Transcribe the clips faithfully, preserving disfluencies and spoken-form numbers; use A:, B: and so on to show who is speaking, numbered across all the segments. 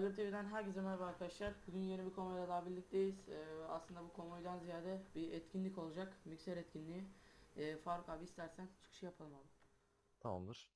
A: Aygır T V'den herkese merhaba arkadaşlar. Bugün yeni bir konvoyla daha birlikteyiz. Ee, aslında bu konvoydan ziyade bir etkinlik olacak. Mikser etkinliği. Ee, Faruk abi istersen çıkışı yapalım abi.
B: Tamamdır.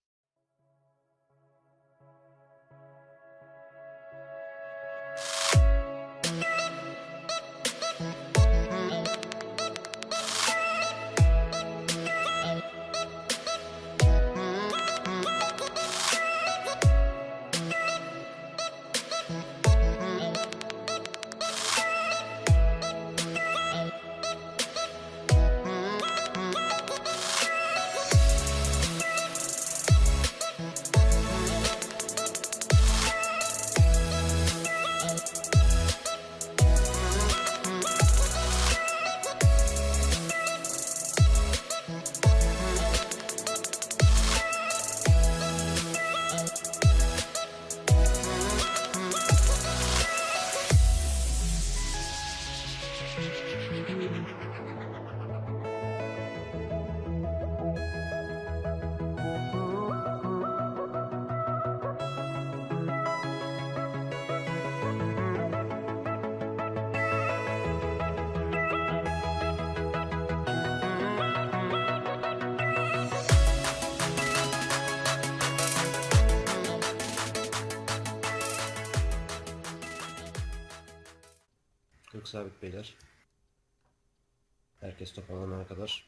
C: Kırk sabit beyler. Herkes toparlanana kadar.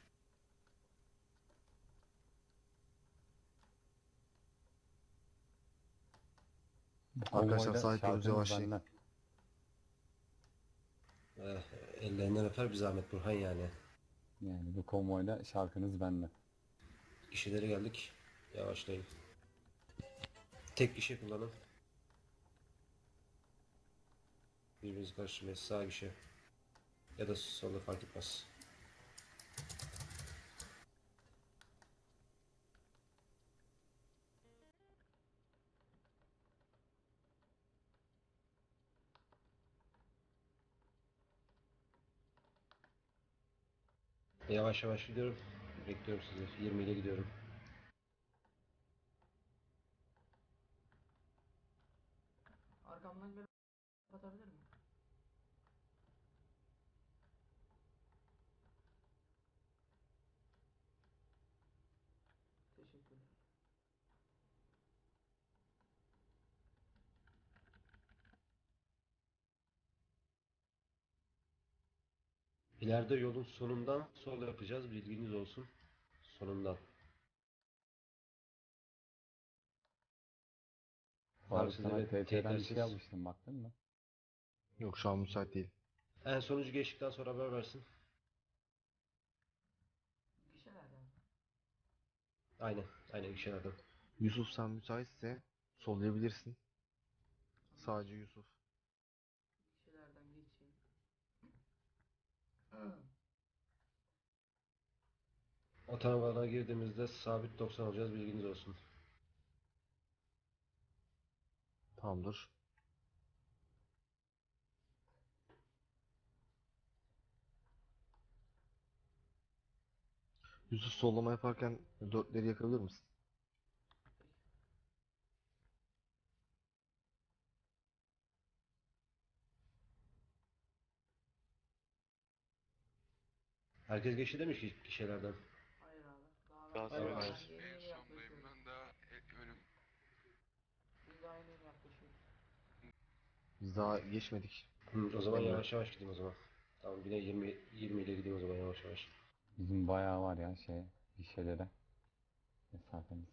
B: Arkadaşlar
D: Konvoyda
B: sahiplerimize
D: şarkımız
B: başlayın.
D: benden.
C: Eh, ellerinden öper bir zahmet Burhan yani.
D: Yani bu konvoyda şarkınız benden.
C: Gişelere geldik. Yavaşlayın. Tek gişe kullanın. Birbirinizi karıştırmayın. Sağ gişe. Ya da solda fark etmez. Yavaş yavaş gidiyorum. Bekliyorum sizi. yirmi ile gidiyorum.
A: Arkamdan bir kapatabilir mi? Teşekkürler.
C: İleride yolun sonundan sol yapacağız. Bilginiz olsun. Sonundan. Abi
D: Faruk sana
C: sizlere
D: T T'den bir şey
C: teyitlersiniz.
D: almıştım, baktın mı?
B: Yok, şu an müsait değil.
C: En sonucu geçtikten sonra haber versin.
A: Gişelerden.
C: Aynen. Aynen gişelerden.
B: Yusuf, sen müsaitse sollayabilirsin. Sadece Yusuf.
A: Gişelerden geçeyim.
C: Otomobile girdiğimizde sabit doksan olacağız. Bilginiz olsun.
B: Tamamdır. Yusuf, sollama yaparken dörtleri yakabilir misin?
C: Herkes geçti demiş ki gişelerden.
A: Hayır abi. Daha
E: Daha
A: ben
C: Hayır,
E: sonra
C: hayır.
A: yeni
E: en
A: yeni
E: sondayım
A: yaklaşıyoruz.
E: ben daha e- önüm.
A: Biz daha yeni yeni yaklaşıyoruz.
B: Biz daha geçmedik.
C: Hı, o zaman
B: Emre.
C: yavaş yavaş gideyim o zaman. Tamam yine yirmi yirmi ile gideyim o zaman yavaş yavaş.
D: Bizim bayağı var ya şey, gişelere mesafemiz.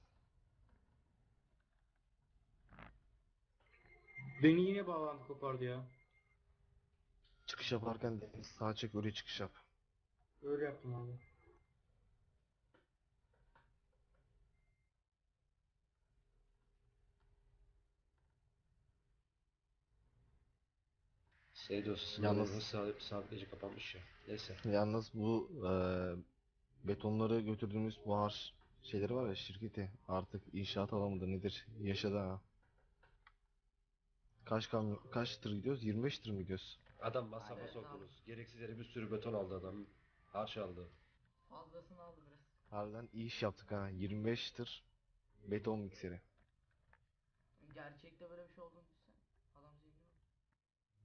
F: Beni yine bağlantı kopardı ya.
B: Çıkış yaparken de sağa çek, öyle çıkış yap.
F: Öyle yaptım abi.
C: S dosyasının
B: Yalnız-
C: Yalnız... sabit, sabitleyici kapanmış ya. Neyse.
B: Yalnız bu eee, betonları götürdüğümüz buhar şeyleri var ya, şirketi artık inşaat alanı mıdır nedir? Yaşadı ha. Kaç kamyon, kaç tır gidiyoruz? yirmi beş tır mı gidiyoruz?
C: Adam masrafa
A: Evet,
C: soktunuz. Gereksiz yere bir sürü beton aldı adam. Harç aldı.
A: Fazlasını aldı biraz.
B: Harbiden iyi iş yaptık ha. yirmi beş tır beton mikseri.
A: Gerçekte böyle bir şey olduğunu düşünsen. Adam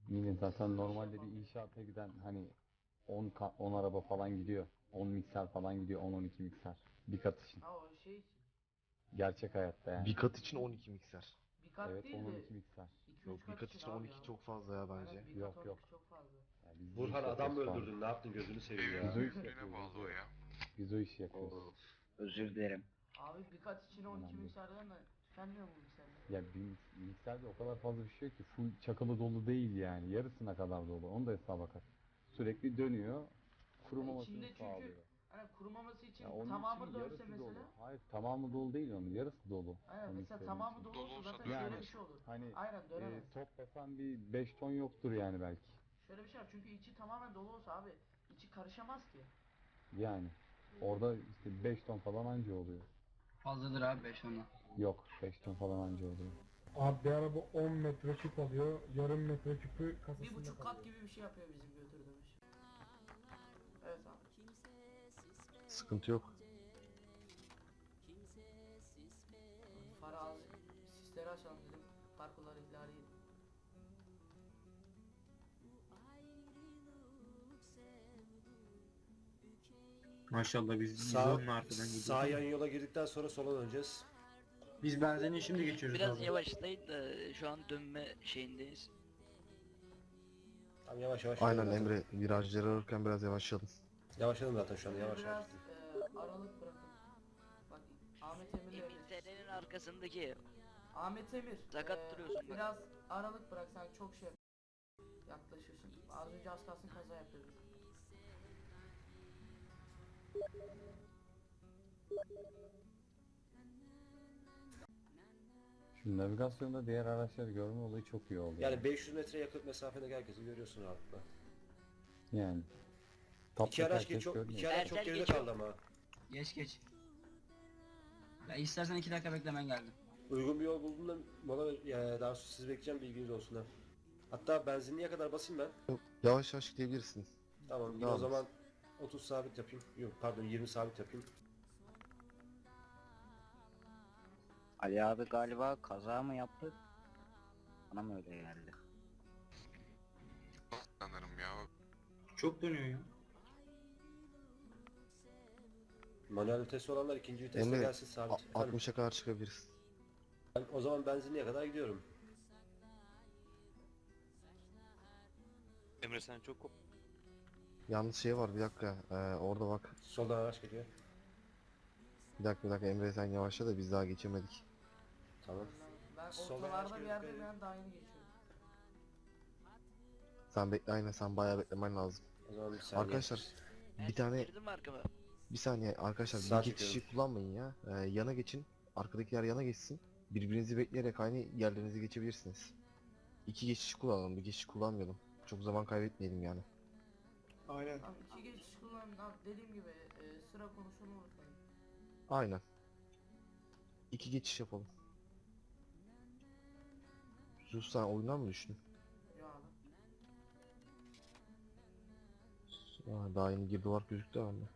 D: Yine zaten normalde bir inşaata giden hani on ka- on araba falan gidiyor. on mikser falan gidiyor. on on iki mikser. Bir kat için.
A: Ha o şey için.
D: Gerçek hayatta yani.
B: Bir kat için on iki mikser.
A: Bir kat
D: Evet
A: değil
D: on on
A: de
D: iki mikser.
A: iki
B: Yok
A: üç
B: bir
A: kat
B: kat
A: için
B: için
A: abi
B: on iki
A: ya.
B: çok fazla ya bence.
A: Aynen bir kat
D: Yok,
A: on
D: yok.
A: iki çok fazla.
D: Yani biz bu
C: Burhan
D: işi
C: adam mı
D: yapıyoruz falan.
C: öldürdün? Ne yaptın? Gözünü seveyim
D: Biz
C: ya.
D: o işi
E: Büyüklüğüne
D: yapıyoruz.
E: bağlı
D: Biz
E: o
D: o,
E: ya.
D: biz o işi yapıyoruz.
C: Oo.
G: Özür dilerim.
A: Abi bir kat için on iki
D: Önemli değil.
A: mikserden de tükenmiyor mu mikserler?
D: Ya bir mikserde o kadar fazla bir şey yok ki. Full çakalı dolu değil yani. Yarısına kadar dolu. Onu da hesaba kat. Sürekli dönüyor. Kurumamasını
A: İçinde çünkü
D: sağlıyor.
A: hani kurumaması için
D: Ya onun
A: tamamı
D: için
A: dönse
D: yarısı
A: mesela.
D: dolu. Hayır tamamı dolu değil onun. Yarısı dolu.
A: Aynen
D: O
A: mesela
D: mikserin
A: tamamı
D: için.
A: dolu
E: Dolu
A: olsa
E: olsa
A: zaten
E: dönemez.
A: şöyle bir şey olur.
D: Hani
A: Aynen
D: e,
A: dönemez.
D: toplasan bir beş ton yoktur yani belki.
A: Şöyle bir şey var çünkü içi tamamen dolu olsa abi içi karışamaz ki.
D: Yani orada işte beş ton falan anca oluyor.
G: Fazladır abi beş ondan.
D: Yok beş ton falan anca oluyor.
F: Abi bir araba on metre küp alıyor. Yarım metre küpü kasasında
A: Bir buçuk kat
F: kalıyor.
A: gibi bir şey yapıyor bizim götürdüğümüz. Evet abi.
B: Sıkıntı yok.
A: Farı az sisleri açalım dedim. Parkurları ihlali.
F: Maşallah biz
C: Sağ,
F: yüz onla arkadan gidiyoruz.
C: sağ yan yola girdikten sonra sola döneceğiz.
F: Biz benzinliği şimdi geçiyoruz
H: Biraz
F: abi.
H: yavaşlayın da şu an dönme şeyindeyiz.
C: Tamam yavaş yavaş.
B: Aynen
C: gidelim zaten.
B: Emre virajları alırken biraz yavaşlayalım.
C: Yavaşladım zaten şu anda
A: Şöyle
C: yavaş yavaş.
A: biraz e, aralık bırakın. Bak Ahmet Emir'le
H: Emin senenin arkasındaki
A: Ahmet Emir.
H: Sakat
A: e,
H: duruyorsun bak.
A: Biraz aralık bırak sen çok şey yaklaşıyorsun. Az önce az kalsın kaza yapıyordun.
D: Şu navigasyonda diğer araçları görme olayı çok iyi oldu.
C: Yani beş yüz metre yakın mesafedeki herkesi görüyorsun rahatlıkla.
D: Yani. Top
C: İki araç
D: herkes
C: geç çok,
D: görmüyor.
C: iki araç çok
H: Ertel
C: geride
H: geçiyor.
C: kaldı ama.
G: Geç geç. Ya istersen iki dakika beklemen geldim.
C: Uygun bir yol buldum da mola ya, daha sonra siz bekleyeceğim bilginiz olsun ha. Hatta benzinliğe kadar basayım ben.
B: Yavaş yavaş gidebilirsin.
C: Tamam yine
B: Devam
C: o
B: et.
C: zaman otuz sabit yapayım. Yok pardon yirmi sabit yapayım.
G: Ali abi galiba kaza mı yaptı? Bana mı öyle geldi?
E: Sanırım ya.
F: Çok dönüyor ya.
C: Manuel vitesi olanlar ikinci viteste
B: Emre
C: gelsin sabit.
B: a-
C: Efendim,
B: altmışa kadar çıkabiliriz.
C: ben o zaman benzinliğe kadar gidiyorum.
E: Emre sen çok kop.
B: Yalnız şey var bir dakika. Ee, orada bak.
C: Soldan araç geliyor.
B: Bir dakika bir dakika Emre sen yavaşla da biz daha geçemedik.
C: Tamam.
A: Ben
C: Soldan
A: ortalarda
C: araç
A: bir
C: geliyor,
A: yerde
C: dikkat
A: ben daha yeni geçiyorum.
B: Sen bekle aynen sen bayağı beklemen lazım.
C: O zaman bir saniye.
B: Arkadaşlar
H: Ben
B: bir tane
H: girdim mi arkama?
B: bir saniye arkadaşlar
C: Sağ
B: bir geçişi
C: çekiyorum.
B: kullanmayın ya. Ee, yana geçin. Arkadakiler yana geçsin. Birbirinizi bekleyerek aynı yerlerinize geçebilirsiniz. İki geçiş kullanalım, bir geçiş kullanmayalım. Çok zaman kaybetmeyelim yani.
F: Aynen.
A: Abi iki geçiş kullanın abi dediğim gibi e, sıra konusunu unutmayın.
B: Aynen. İki geçiş yapalım. Sus sen oyundan mı düştün?
A: Ya abi.
B: Aa, daha yeni girdi var gözüktü bende.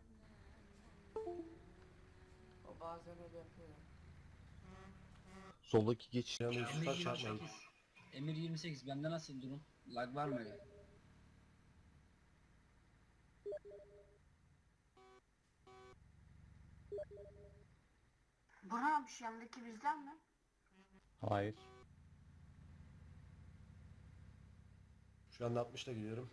A: O bazen öyle yapıyor ya.
B: Soldaki geçiş.
C: Yani Yusuf'a çarpmayın.
G: Emir yirmi sekiz bende nasıl durum? Lag var mı öyle?
I: Burhan abi şu yandaki bizden mi?
D: Hayır.
C: Şu anda altmışla gidiyorum.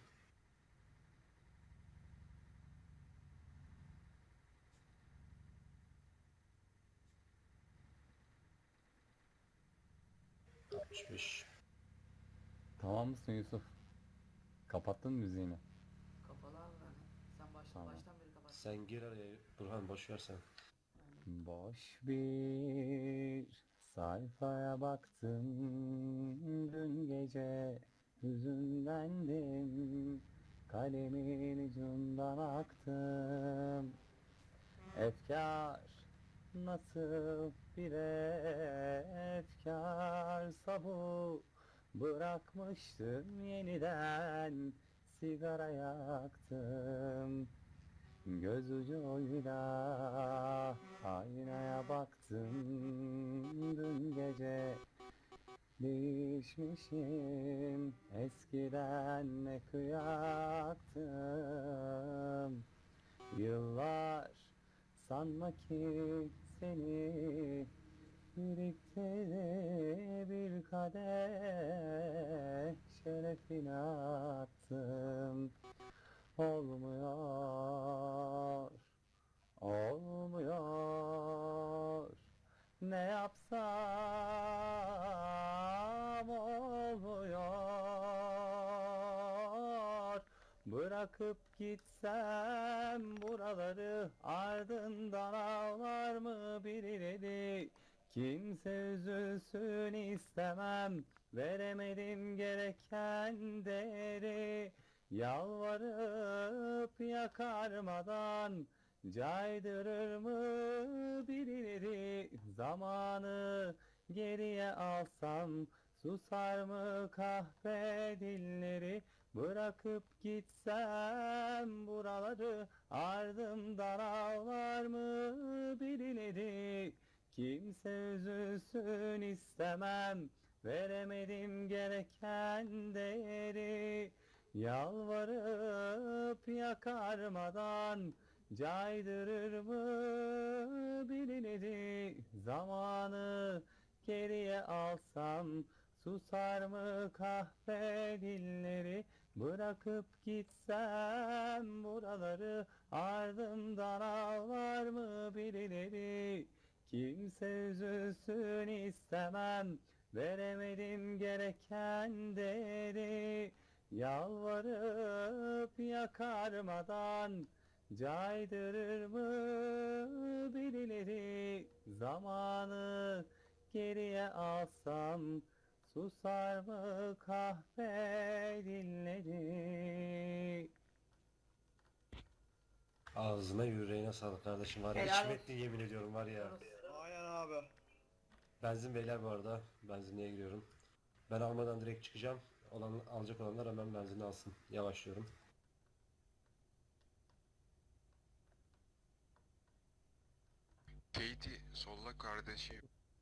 C: altmış beş.
D: Tamam mısın Yusuf? Kapattın mı müziğini?
A: Kapalı abi ben. Sen baştan
D: Tamam.
A: baştan beri kapat.
C: Sen gir araya Burhan boş ver sen.
D: Boş bir sayfaya baktım dün gece, hüzünlendim, kalemin ucundan aktım. Efkar nasıl bir efkarsa bu, bırakmıştım yeniden sigara yaktım. Göz ucuyla aynaya baktım dün gece, Değişmişim, eskiden ne kıyaktım. Yıllar sanma ki seni birlikte bir kadeh şerefine attım. Olmuyor, olmuyor. Ne yapsam olmuyor. Bırakıp gitsem buraları, ardından ağlar mı birileri? Kimse üzülsün istemem, veremedim gereken değeri. Yalvarıp yakarmadan caydırır mı birileri? Zamanı geriye alsam susar mı kahpe dilleri? Bırakıp gitsem buraları, ardımdan ağlar mı birileri? Kimse üzülsün istemem, veremedim gereken değeri. Yalvarıp yakarmadan caydırır mı birileri? Zamanı geriye alsam susar mı kahpe dilleri? Bırakıp gitsem buraları, ardımdan ağlar mı birileri? Kimse üzülsün istemem, veremedim gereken değeri. Yalvarıp yakarmadan caydırır mı birileri? Zamanı geriye alsam susar mı kahpe dilleri?
C: Ağzına yüreğine sağlık kardeşim var ya.
A: Helal
C: İçim
A: olsun.
C: etti yemin ediyorum var ya.
E: Aynen abi.
C: Benzin beyler bu arada. Benzinliğe giriyorum. Ben almadan direkt çıkacağım. Olan, alacak olanlar hemen benzini alsın. Yavaşlıyorum.
J: Katie solla kardeşim.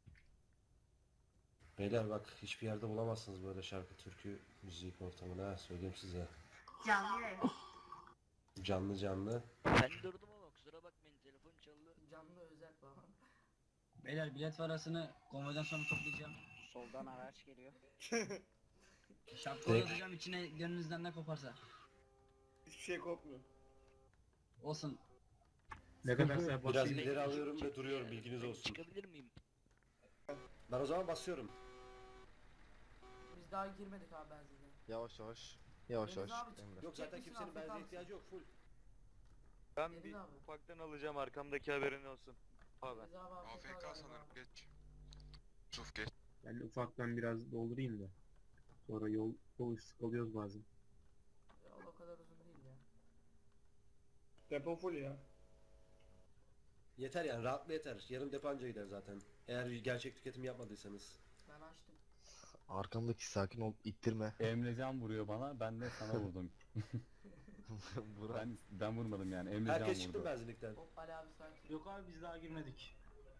C: Beyler bak hiçbir yerde bulamazsınız böyle şarkı, türkü, müzik ortamını ha, söyleyeyim size.
I: Canlı yayın.
C: Canlı canlı.
H: Ben durdum ama kusura bakmayın, telefon çaldı.
A: Canlı özel falan.
E: Beyler bilet parasını konvoydan sonra toplayacağım.
G: Soldan araç geliyor.
E: Şapka
C: Direkt-
E: atacağım içine, gönlünüzden ne koparsa.
J: Hiçbir şey kopmuyor.
E: Olsun.
F: Ne kadar
C: Biraz
F: basayım.
C: ileri alıyorum ve duruyorum, bilginiz olsun.
H: Çıkabilir miyim?
C: Ben o zaman basıyorum.
A: Biz daha girmedik abi benzinliğe.
B: Yavaş yavaş. Yavaş
A: Deniz
B: yavaş.
A: abi,
B: Emre.
C: Yok zaten
A: Çekmişsin
C: kimsenin
A: abi,
C: benzine
A: kalsın.
C: ihtiyacı yok, full.
J: Ben
A: Deniz
J: bir
A: abi.
J: ufaktan alacağım, arkamdaki haberin olsun. Abi.
A: Deniz abi
J: A F K sanırım, geç. Yusuf geç.
F: Ben ufaktan biraz doldurayım da. Sonra yol, yol sıkılıyoruz bazen.
A: Yol o kadar uzun değil ya.
J: Depo full ya.
C: Yeter yani, rahatlı yeter. Yarım depo anca gider zaten. Eğer gerçek tüketim yapmadıysanız.
A: Ben açtım.
B: Arkamdaki sakin ol, ittirme.
D: Emrecan vuruyor bana, ben de sana vurdum.
B: Burak.
D: ben ben vurmadım yani, Emrecan
C: Herkes çıktı
D: vurdu.
C: benzinlikten.
A: Hop Ali abi sakin.
E: Yok abi biz daha girmedik.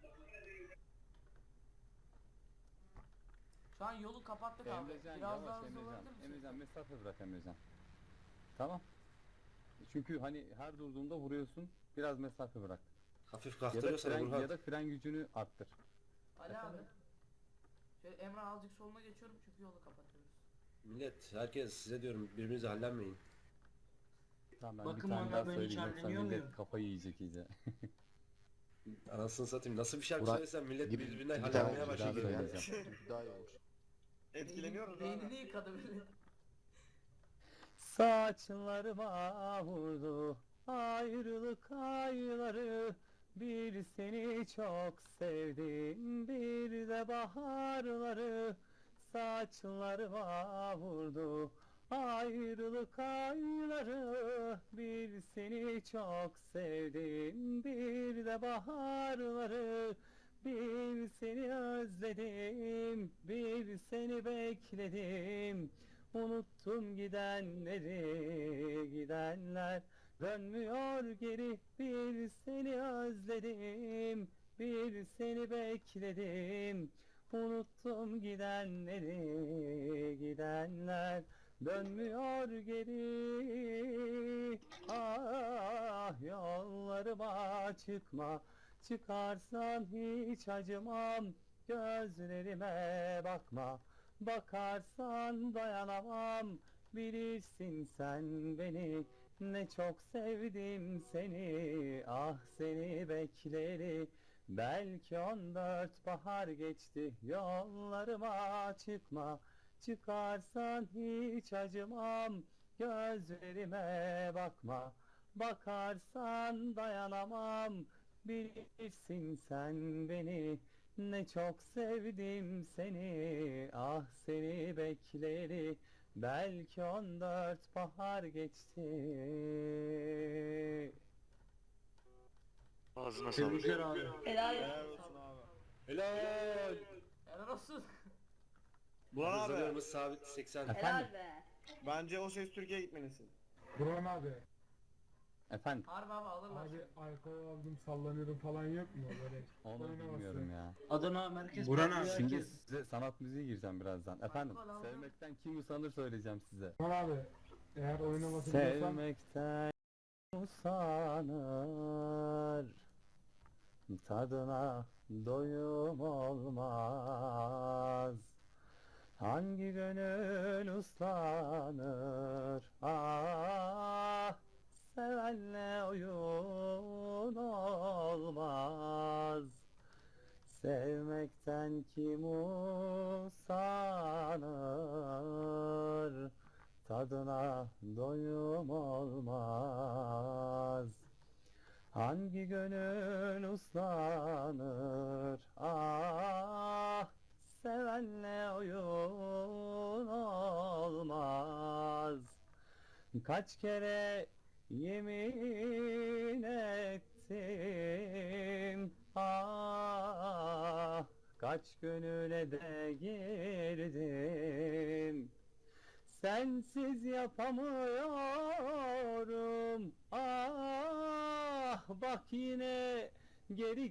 A: Şu an yolu kapattık abi.
D: Emrecan
A: Biraz daha
D: yavaş,
A: hızlı
D: Emrecan.
A: olabilir misin?
D: Emrecan mesafe bırak Emrecan. Tamam. Çünkü hani her durduğunda vuruyorsun, biraz mesafe bırak.
C: Hafif
D: Ya da
C: kaktırıyorsan
D: fren,
C: Burhan.
D: ya da fren gücünü arttır.
A: Ali abi. Şöyle Emrah azıcık soluna geçiyorum çünkü yolu kapatıyoruz.
C: Millet, herkes size diyorum, birbirinize hallenmeyin.
D: Tamam ben
E: Bakın
D: bir tane
E: bana
D: daha
E: ben hiç
D: söyleyeyim yoksa
E: halleniyor
D: millet
E: muyum?
D: kafayı yiyecek iyice.
C: Anasını satayım, nasıl bir şarkı
B: Burak,
C: söylesem millet
B: bir-
C: birbirinden
B: bir tane
C: hallenmeye
B: bir
C: başlıyor.
D: daha
C: yani.
D: söyleyeceğim.
B: Daha iyi olur.
J: Etkileniyoruz
A: Beynini,
J: abi.
A: beynini yıkadı böyle.
D: Saçlarıma vurdu ayrılık ayları. Bir seni çok sevdim, bir de baharları. Saçlarıma vurdu ayrılık ayları. Bir seni çok sevdim, bir de baharları. Bir seni özledim, bir seni bekledim. Unuttum gidenleri, gidenler dönmüyor geri. Bir seni özledim, bir seni bekledim. Unuttum gidenleri, gidenler dönmüyor geri. Ah yollarıma çıkma, çıkarsan hiç acımam. Gözlerime bakma, bakarsan dayanamam. Bilirsin sen beni, ne çok sevdim seni. Ah seni bekleri, belki on dört bahar geçti. Yollarıma çıkma, çıkarsan hiç acımam. Gözlerime bakma, bakarsan dayanamam. Bilirsin sen beni, ne çok sevdim seni. Ah seni bekleri, belki on dört bahar geçti.
J: Ağzına sağlık.
F: Tebrikler abi.
A: Helal
F: Helal
A: olsun.
F: olsun abi.
C: Helal.
A: Helal olsun.
J: Burhan abi,
C: Hızlarımız sabit seksen.
D: Efendim?
J: bence O Ses Türkiye'ye gitmelisin.
K: Burhan abi.
D: Efendim?
A: Harbi abi alırlar.
K: Abi alkol aldım sallanıyorum falan yok mu böyle?
D: Onu
K: oynaması.
D: bilmiyorum ya.
E: Adana Merkez
F: Burhan
E: Parkı
F: abi.
E: ya,
D: Şimdi
E: herkes-
D: size sanat müziği gireceğim birazdan. Efendim?
A: Alkol aldım.
D: Sevmekten kim usanır söyleyeceğim size.
K: Burhan abi. Eğer oynaması biliyorsan
D: Sevmekten usanır, tadına doyum olmaz. Hangi gönül uslanır, ah sevenle oyun olmaz. Sevmekten kim usanır, tadına doyum olmaz. Hangi gönül uslanır, ah sevenle oyun olmaz. Kaç kere yemin ettim, ah kaç gönüle de girdim. Sensiz yapamıyorum, ah bak yine geri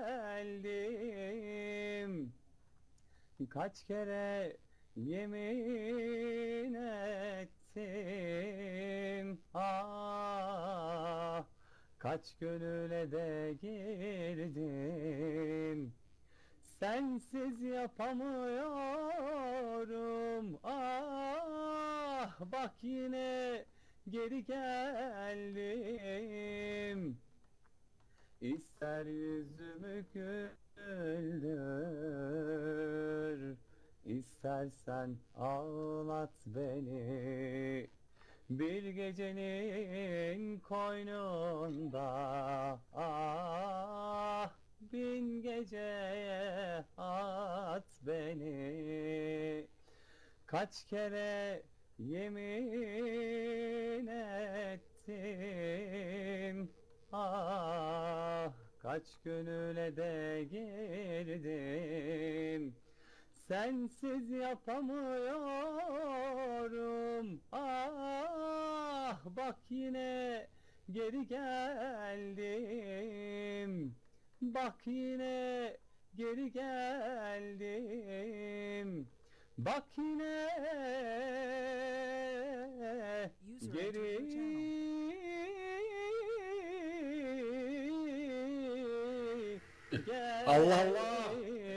D: geldim. Kaç kere yemin ettim, ah kaç gönüle de girdim. Sensiz yapamıyorum, ah bak yine geri geldim. İster yüzümü güldür, istersen ağlat beni. Bir gecenin koynunda, ah bin geceye at beni. Kaç kere yemin ettim, ah kaç gönüle de girdim. Sensiz yapamıyorum, ah bak yine geri geldim. Bak yine geri geldim. Bak yine geri geldim.
C: Allah Allah.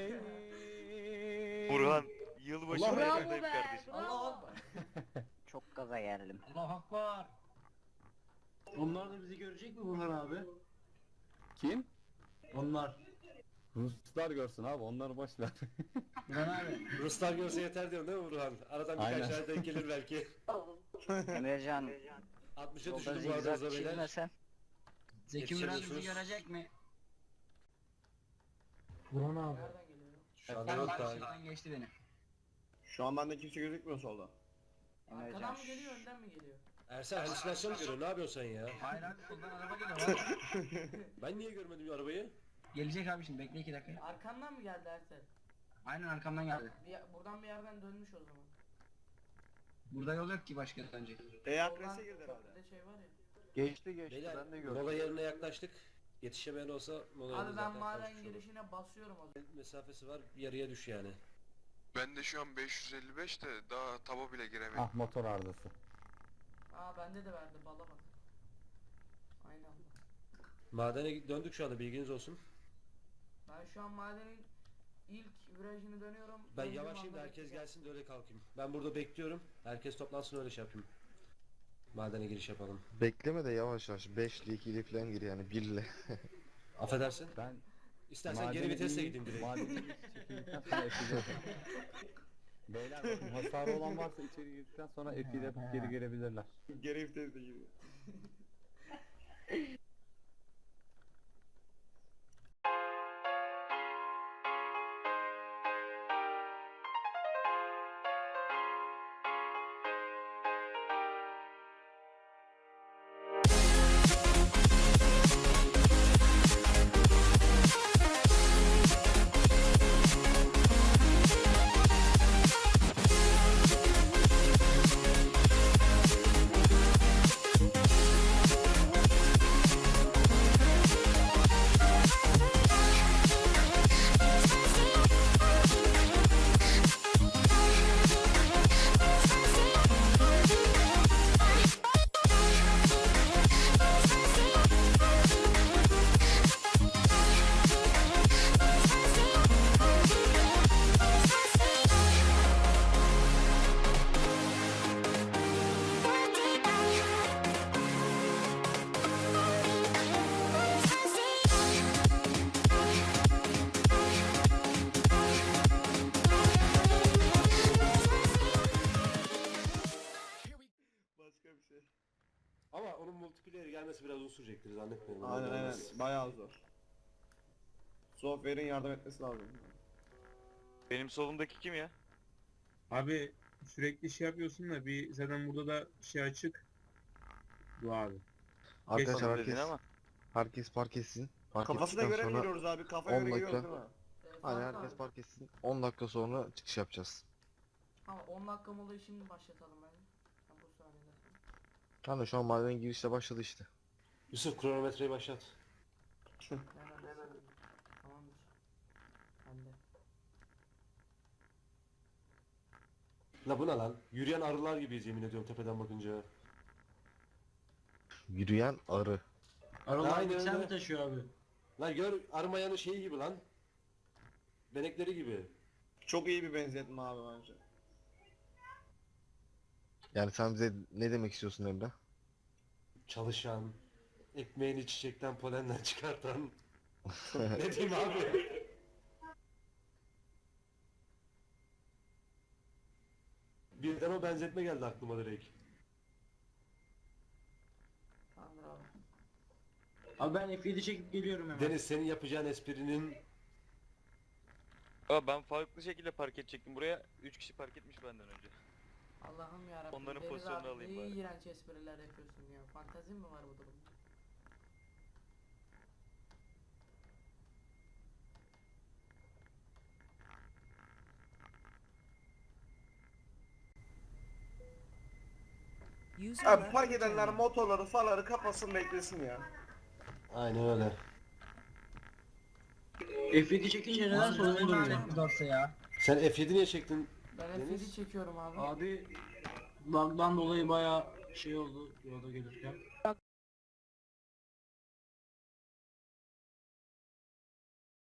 J: Burhan, yılbaşı
F: Allah
J: bayramındayım kardeşim.
A: Allah akbar.
G: Çok gaza geldim.
E: Allah akbar. Onlar da bizi görecek mi Burhan abi?
D: Kim?
E: Onlar.
D: Ruslar görsün abi, onları boş ver.
E: Burhan abi.
C: Ruslar görse yeter diyorsun değil mi Burhan? Aradan birkaç
D: Aynen.
C: tane denk gelir belki.
G: Emrecan,
C: altmışa
G: yolda
C: düşürdüm bu arada
G: zigzag
C: hızla beyler.
G: çizmesen.
E: Zeki Müren bizi
C: Yetişemiyorsunuz.
E: görecek mi?
K: Burhan abi.
A: Nereden geliyor?
C: Şu anda
E: Ben
C: yok
E: karşıdan
C: daha.
E: geçti beni.
J: Şu an bende kimse gözükmüyor solda.
G: Emrecan,
A: Arkadan mı geliyor önden mi geliyor?
C: Ersen halüsinasyon mu görüyorsun? Ne yapıyorsun sen ya?
E: Hayır abi soldan araba geliyor. Valla.
C: Ben niye görmedim ya arabayı?
E: Gelecek abi şimdi bekle iki dakika.
A: Arkandan mı geldi Ersel?
E: Aynen arkamdan geldi.
A: Bir, buradan bir yerden dönmüş o zaman.
E: Burada yol yok ki başka önce.
J: E A
A: Oradan
J: Press'e girdi herhalde.
A: köprüde şey var ya.
B: Geçti geçti
C: Beyler
B: ben de gördüm.
C: mola yerine yaklaştık. Yetişemeyen olsa mola
A: Abi ben
C: zaten
A: maden
C: kalkmış olur.
A: girişine basıyorum o zaman.
C: Mesafesi var, yarıya düş yani.
L: Ben de şu an beş yüz elli beş de daha taba bile giremedim.
D: Ah, motor arızası.
A: Aa bende de verdi bala bak. Aynı anda.
C: Madene döndük şu anda, bilginiz olsun.
A: Ben şu an madenin ilk virajını dönüyorum.
C: Ben
A: Döndüğüm
C: yavaşlayayım da
A: anda
C: herkes
A: bekleyeceğim.
C: gelsin de öyle kalkayım. Ben burada bekliyorum. Herkes toplansın, öyle şey yapayım. Madene giriş yapalım.
B: Bekleme de yavaş yavaş beş ile iki ile falan gir yani bir ile.
C: Affedersin.
D: Ben
C: İstersen geri
D: madene
C: vitesle
D: inip-
C: gideyim direkt.
D: Madene inip çekildikten sonra F ile yapacağım. Beyler bakın, hasarı olan varsa içeri girdikten sonra F ile yapıp geri gelebilirler.
J: Geri vites de giriyor. Başka bir şey.
C: Ama onun multiplayer gelmesi biraz uzun sürecektir, zannetmiyorum.
J: Aynen
C: Öyle
J: aynen.
C: olmaz.
J: Bayağı zor. Software'in yardım etmesi lazım.
H: Benim solumdaki kim ya?
F: Abi sürekli şey yapıyorsun da bir zaten burada da şey açık. Bu abi.
B: Arkadaşlar
H: Sanırım
B: herkes,
H: dedin ama.
B: herkes park etsin. Park
J: Kafasına
B: ettikten
J: göre mi
B: sonra
J: giriyoruz abi? Kafaya
B: on
J: göre giriyoruz
B: dakika.
J: değil mi?
A: Ee,
B: hani
A: Faruk
B: herkes
A: abi,
B: park etsin. on dakika sonra çıkış yapacağız.
A: Ama on dakika molayı şimdi başlatalım bence. Ha, bu saniyede.
B: Hani şu an madenin girişte başladı işte.
C: Yusuf, kronometreyi başlat.
A: Nereden başlayalım? Tamamdır. Bende.
C: La bu ne lan? Yürüyen arılar gibiyiz yemin ediyorum tepeden bakınca.
B: Yürüyen arı.
E: Aralar
C: Aynen
E: mikser
C: öyle.
E: mi taşıyor abi?
C: Lan gör, armayanın şeyi gibi lan. Benekleri gibi.
J: Çok iyi bir benzetme abi bence.
B: Yani sen bize ne demek istiyorsun Emre?
C: Çalışan, ekmeğini çiçekten polenden çıkartan. Ne diyeyim abi? Birden o benzetme geldi aklıma direkt.
A: Tamamdır abi.
E: Abi ben F yedi çekip geliyorum hemen.
C: Deniz, senin yapacağın esprinin
H: Aa, ben farklı şekilde park edecektim buraya. üç kişi park etmiş benden önce.
A: Allah'ım yarabbim.
H: Onların
A: Deniz
H: pozisyonunu
A: abi,
H: alayım
A: ne
H: bari.
A: iğrenç espriler yapıyorsun ya. Fantezin mi var bu durumda?
J: Abi park edenler motorları faları kapasın beklesin ya.
C: aynen öyle.
E: F yedi çekince neden soluma dönüyor?
C: Sen F yedi niye çektin?
A: Ben F
C: Deniz?
A: yedi çekiyorum abi.
E: Abi bug'dan dolayı bayağı şey oldu yolda gelirken.